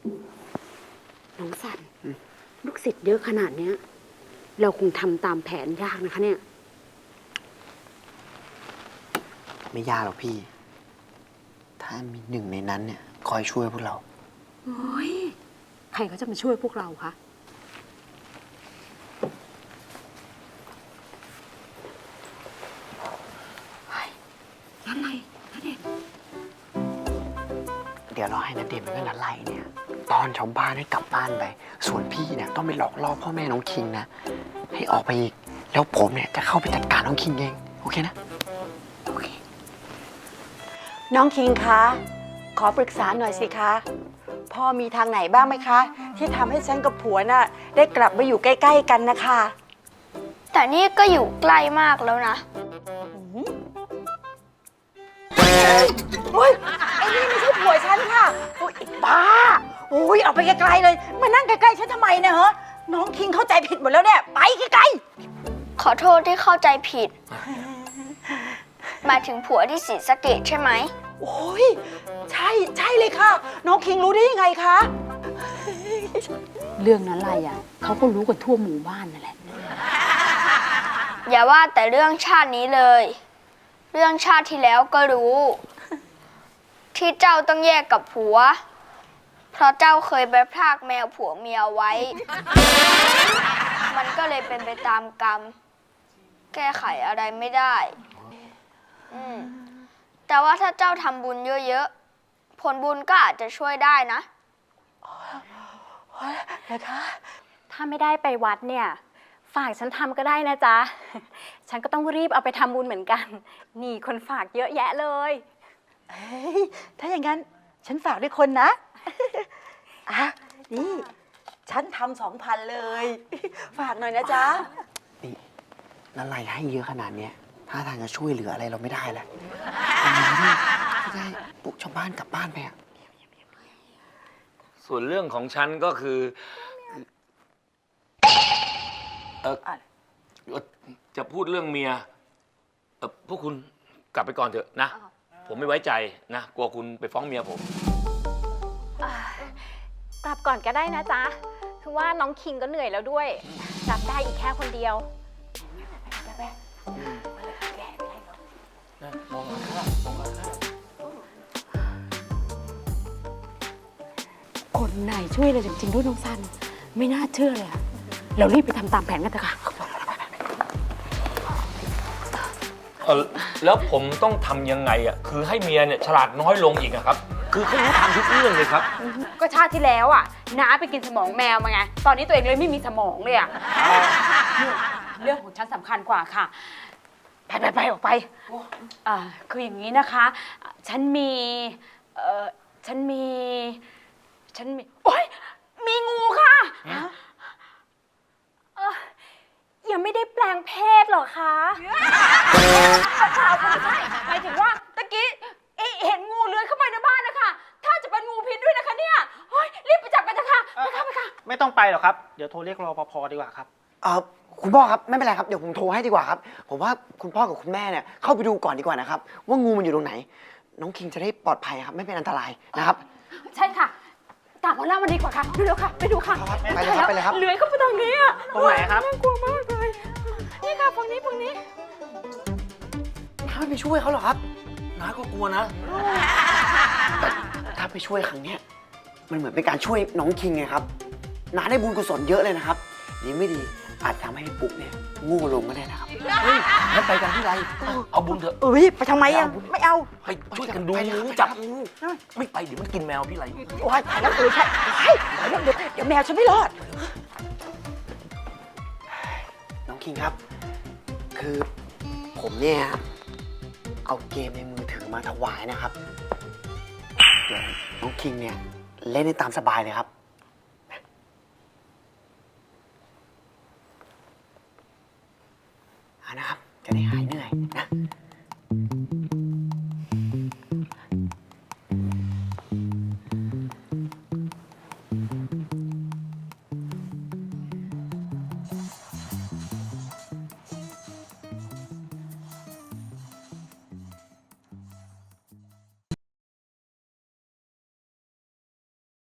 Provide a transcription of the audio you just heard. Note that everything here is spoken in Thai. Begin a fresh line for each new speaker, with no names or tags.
น้องสันลูกศิษย์เยอะขนาดเนี้ยเราคงทำตามแผนยากนะคะเนี่ย
ไม่ยากหรอกพี่ ถ้ามีหนึ่งในนั้นเนี่ยคอยช่วยพวกเรา
โอ้ยใครเขาจะมาช่วยพวกเราคะนั่นอะไรนั่นเด็ก
เดี๋ยวเราให้นัดเดมกับนัดไล่เนี่ยตอนชาวบ้านให้กลับบ้านไป ส่วนพี่เนี่ยต้องไปหลอกล่อพ่อแม่น้องคิงนะ ให้ออกไปอีก แล้วผมเนี่ยจะเข้าไปจัดการน้องคิงเอง โอเคนะ
โอเค
น้องคิงคะ ขอปรึกษาหน่อยสิคะ พ่อมีทางไหนบ้างไหมคะ ที่ทำให้ฉันกับผัวน่ะได้กลับมาอยู่ใกล้ๆกันนะคะ
แต่นี่ก็อยู่ใกล้มากแล้วนะ
โอ้ยไอ้นี่ไม่ใช่ผัวฉันค่ะโอ้ยไอ้บ้าโอ้ยออกไปไกลๆเลย มานั่งใกล้ๆฉันทำไมเนะฮะน้องคิงเข้าใจผิดหมดแล้วเนี่ย ไปไกล
ขอโทษที่เข้าใจผิด หมายถึงผัวที่ศรีสะเกษใช่ไหม
ๆ โอ้ยใช่เลยค่ะ น้องคิงรู้ได้ยังไงคะ
เรื่องนั้นอะไรอ่ะเขาก็รู้กันทั่วหมู่บ้านนั่นแหละ
อย่าว่าแต่เรื่องชาตินี้เลย เรื่องชาติที่แล้วก็รู้ ที่เจ้าต้องแยกกับผัว เพราะเจ้าเคยไปพรากแมวผัวเมียไว้ มันก็เลยเป็นไปตามกรรม แก้ไขอะไรไม่ได้แต่ว่าถ้าเจ้าทำบุญเยอะๆ ผลบุญก็อาจจะช่วยได้นะ
นะคะ
ถ้าไม่ได้ไปวัดเนี่ยฝากฉันทำก็ได้นะจ๊ะ ฉันก็ต้องรีบเอาไปทำบุญเหมือนกัน นี่คนฝากเยอะแยะเลย
เฮ้ยถ้าอย่างนั้นฉันฝากด้วยคนนะ อ่ะนี่ฉันทำ2,000เลย ฝากหน่อยนะจ๊ะ
นี่นัดไล่ให้เยอะขนาดเนี้ยถ้าทางจะช่วยเหลืออะไรเราไม่ได้แหละไม่ได้ปลุกชาวบ้านกลับบ้านไปอะ
ส่วนเรื่องของฉันก็คือจะพูดเรื่องเมียพวกคุณกลับไปก่อนเถอะนะ ผมไม่ไว้ใจนะ กลัวคุณไปฟ้องเมียผม
กลับก่อนก็ได้นะจ๊ะ คือว่าน้องคิงก็เหนื่อยแล้วด้วย รับได้อีกแค่คนเดียว
คนไหนช่วยเราจริงๆด้วยน้องสันไม่น่าเชื่อเลยอะเรารีบไปทำตามแผนกันเถอะค่ะ
แล้วผมต้องทำยังไงอ่ะ คือให้เมียเนี่ยฉลาดน้อยลงอีกอะครับ คือเขารู้ทำทุกเรื่องเลยครับ
ก็ชาติที่แล้วอ่ะน้าไปกินสมองแมวมาไง ตอนนี้ตัวเองเลยไม่มีสมองเลยอ่ะเรื่องของฉันสำคัญกว่าค่ะ ไปออกไปคืออย่างนี้นะคะ ฉันมีโอ๊ยมีงูค่ะ
ยังไม่ได้แปลงเพศหรอคะ
หมายถึงว่าตะกี้เห็นงูเลื้อยเข้าไปในบ้านนะคะ ถ้าจะเป็นงูพิษด้วยนะคะเนี่ยเฮ้ยรีบไปจับกันเถอะค่ะไปค่ะ
ไม่ต้องไปหรอกครับ เดี๋ยวโทรเรียกรปภดีกว่าครับ
คุณพ่อครับไม่เป็นไรครับเดี๋ยวผมโทรให้ดีกว่าครับผมว่าคุณพ่อกับคุณแม่เนี่ยเข้าไปดูก่อนดีกว่านะครับว่างูมันอยู่ตรงไหน น้องคิงจะได้ปลอดภัยครับไม่เป็นอันตรายนะครับ
ใช่ค่ะตามหัวหน้ามันดีกว่าค่ะเร็วๆค่ะ ไปดูค่ะ
ครับไปเลยครับไปเลยครับ
เลื้อยเข้าไปตรงนี้อะ
ตรงไหนครับ
น่ากลัวมากเลยนี่ค่ะฝั่งนี้
น้าไม่ไปช่วยเขาหรอครับ
น้าก็กลัวนะ
แต่ถ้าไปช่วยครั้งเนี้ยมันเหมือนเป็นการช่วยน้องคิงไงครับน้าได้บุญกุศลเยอะเลยนะครับดีไม่ดีอาจทำให้ปุ๊กเนี่ยโง่ลงก็ได้นะครับ
เฮ้ยงั้นไปกันที่ไร เอาบุญเถอะ
เอ้ยไปทำไมอ่ะไม่เอา
ให้ช่วยกันดูงูจับงูไม่ไปเดี๋ยวมันกินแมวพี่ไร
โอ้ยตายแล้วใช่เดี๋ยวแมวฉันไม่รอด
น้องคิงครับ คือผมเนี่ยเอาเกมในมือถือมาถวายนะครับเดี๋ยวน้องคิงเนี่ยเล่นได้ตามสบายเลยครับ